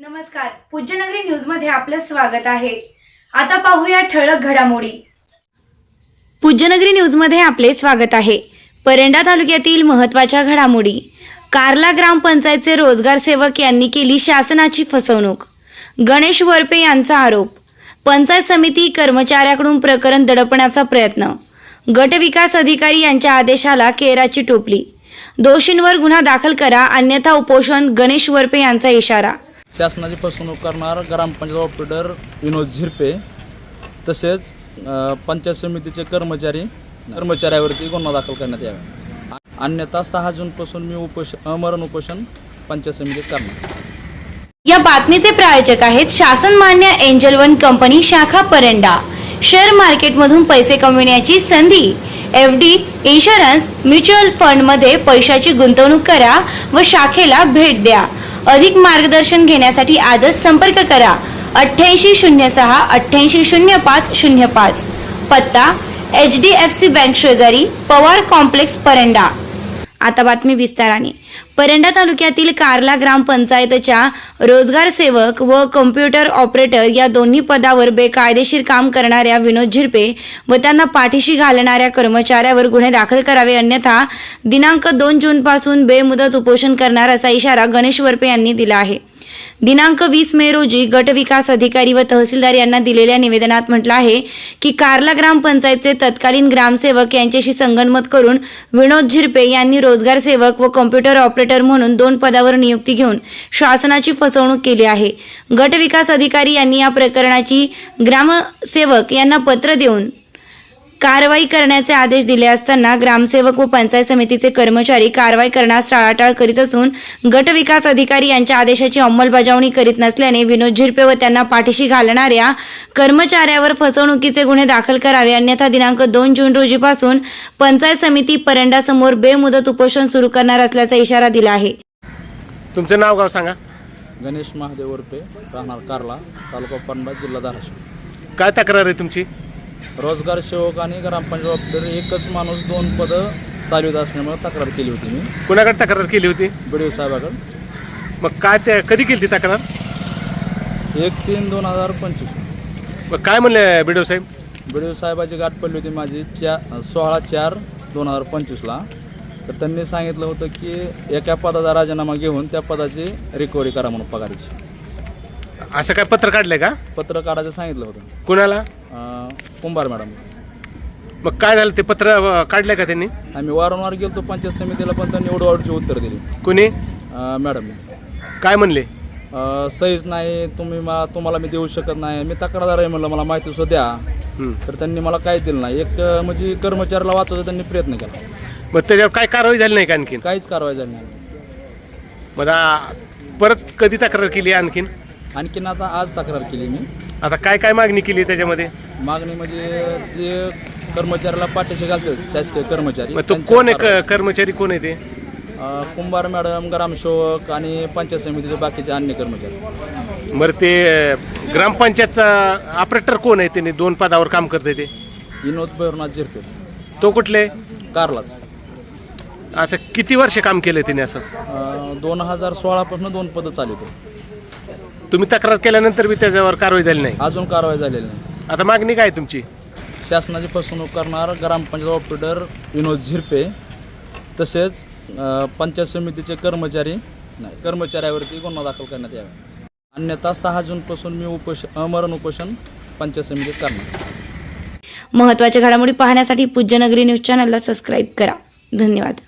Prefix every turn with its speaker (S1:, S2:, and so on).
S1: नमस्कार, पूज्यनगरी न्यूज मध्ये आपलं स्वागत आहे। आता पाहूया ठळक घडामोडी। पूज्यनगरी न्यूज मध्ये आपले स्वागत आहे। परंडा तालुक्यातील महत्त्वाच्या घडामोडी। कारला ग्रामपंचायतचे रोजगार सेवक यांनी केली शासनाची फसवणूक। गणेश वरपे यांचा आरोप। पंचायत समिती कर्मचाऱ्याकडून प्रकरण दडपण्याचा प्रयत्न। गट विकास अधिकारी यांच्या आदेशाला केराची टोपली। दोषींवर गुन्हा दाखल करा अन्यथा उपोषण। गणेश वरपे यांचा इशारा।
S2: शासनाची फसवणूक करणार ग्रामपंचायत ऑपरेटर विनोद झिरपे तसेच पंचायत समितीचे कर्मचाऱ्यावरती गुन्हा दाखल करण्यात यावा, अन्यथा 6 जूनपासून मी अमरण उपोषण पंचायत समितीत करणार।
S1: या बातमीचे प्रायोजक आहेत शासन मान्य एंजल वन कंपनी शाखा परंडा। शेअर मार्केटमधून पैसे कमविण्याची संधी। एफडी, इन्शुरन्स, म्युच्युअल फंड मध्ये पैशाची गुंतवणूक करा व शाखेला भेट द्या। अधिक मार्गदर्शन घेण्यासाठी आजच संपर्क करा 8806 880505। पत्ता HDFC बँक शेजारी, पवार कॉम्प्लेक्स, परंडा। आता बातमी विस्ताराने। परंडा तालुक्यातील कारला ग्रामपंचायतच्या रोजगार सेवक व कॉम्प्युटर ऑपरेटर या दोन्ही पदावर बेकायदेशीर काम करणाऱ्या विनोद झिरपे व त्यांना पाठीशी घालणाऱ्या कर्मचाऱ्यावर गुन्हे दाखल करावे, अन्यथा दिनांक 2 जूनपासून बेमुदत उपोषण करणार असा इशारा गणेश वरपे यांनी दिला आहे। दिनांक 20 मे रोजी गट विकास अधिकारी व तहसीलदार यांना दिलेल्या निवेदनात म्हटलं आहे की कारला ग्रामपंचायतचे तत्कालीन ग्रामसेवक यांच्याशी संगनमत करून विनोद झिरपे यांनी रोजगार सेवक व कॉम्प्युटर ऑपरेटर म्हणून 2 पदावर नियुक्ती घेऊन शासनाची फसवणूक केली आहे। गट विकास अधिकारी यांनी या प्रकरणाची ग्रामसेवक यांना पत्र देऊन कारवाई करण्याचे आदेश दिले असताना ग्रामसेवक व पंचायत समितीचे कर्मचारी कारवाई करण्यास टाळाटाळ करीत असून गट विकास अधिकारी यांच्या आदेशाची अंमलबजावणी करीत नसल्याने विनोद झिरपे व त्यांना पाठीशी घालणाऱ्या कर्मचाऱ्यावर फसवणुकीचे गुन्हे दाखल करावे, अन्यथा दिनांक 2 जून रोजीपासून पंचायत समिती परंडा समोर बेमुदत उपोषण सुरू करणार असल्याचा इशारा दिला आहे।
S3: तुमचं नाव गाव सांगा।
S2: गणेश महादेव वरपे, राहणार कारला, तालुका परंडा, जिल्हा धाराशिव।
S3: काय तक्रार आहे तुमची?
S2: रोजगार सेवक आणि ग्रामपंचायत ऑपरेटर एकच माणूस 2 पदं चालवित असल्यामुळे तक्रार केली होती मी।
S3: कुणाकडे तक्रार केली होती?
S2: BDO साहेबाकडे।
S3: मग काय ते कधी केली ती तक्रार?
S2: 1/3/2025।
S3: मग काय म्हणले BDO साहेब?
S2: BDO साहेबाची गाठ पडली होती माझी 16/4/2025ला। तर त्यांनी सांगितलं होतं की एका पदाचा राजीनामा घेऊन त्या पदाची रिकव्हरी करा म्हणून पगाराची।
S3: असं काय पत्र काढलंय का?
S2: पत्र काढायचं सांगितलं होतं।
S3: कुणाला?
S2: कुंभार मॅडम।
S3: मग काय झालं, ते पत्र काढलंय का त्यांनी?
S2: आम्ही वारंवार गेलो पंचायत समितीला, पण त्यांनी एवढी उत्तर दिली।
S3: कुणी?
S2: मॅडम। काय
S3: म्हणले?
S2: सहीच नाही, तुम्हाला मी देऊ शकत नाही, मी तक्रारदार आहे म्हणलं, मला माहिती सुद्धा द्या। तर त्यांनी मला काहीच दिलं नाही। एक म्हणजे कर्मचाऱ्याला वाचवायचा त्यांनी प्रयत्न केला।
S3: मग त्याच्यावर काय कारवाई झाली नाही का आणखीन?
S2: काहीच कारवाई झाली नाही।
S3: मला परत कधी तक्रार केली आणखीन?
S2: आता आज तक्रार केली मी।
S3: आता काय काय मागणी केली त्याच्यामध्ये?
S2: मागणी म्हणजे जे कर्मचाऱ्याला पाठीशी घालतात शासकीय कर्मचारी।
S3: मग तो कोण आहे कर्मचारी? कोण आहे ते?
S2: कुंभार मॅडम, ग्रामसेवक आणि पंचायत समितीचे बाकीचे अन्य कर्मचारी।
S3: बरं, ते ग्रामपंचायतचा ऑपरेटर कोण आहे? त्यांनी 2 पदावर काम करते ते?
S2: विनोद भैरवनाथ झिरपे।
S3: तो कुठले?
S2: कारलाच।
S3: असं किती वर्ष काम केलं त्याने? असं
S2: 2016 पासून 2 पदं चालवतो।
S3: तुम्ही तक्रार केल्यानंतर बी त्याच्यावर कारवाई झाली नाही?
S2: अजून कारवाई झालेली नाही।
S3: आता मागणी काय तुमची?
S2: शासनाची फसवणूक करणार ग्रामपंचायत ऑपरेटर विनोद झिरपे तसेच पंचायत समितीचे कर्मचाऱ्यावरती गुन्हा दाखल करण्यात यावा, अन्यथा 6 जूनपासून मी अमरण उपोषण पंचायत समितीत करणार।
S1: महत्त्वाच्या घडामोडी पाहण्यासाठी पूज्यनगरी न्यूज चॅनलला सबस्क्राईब करा। धन्यवाद।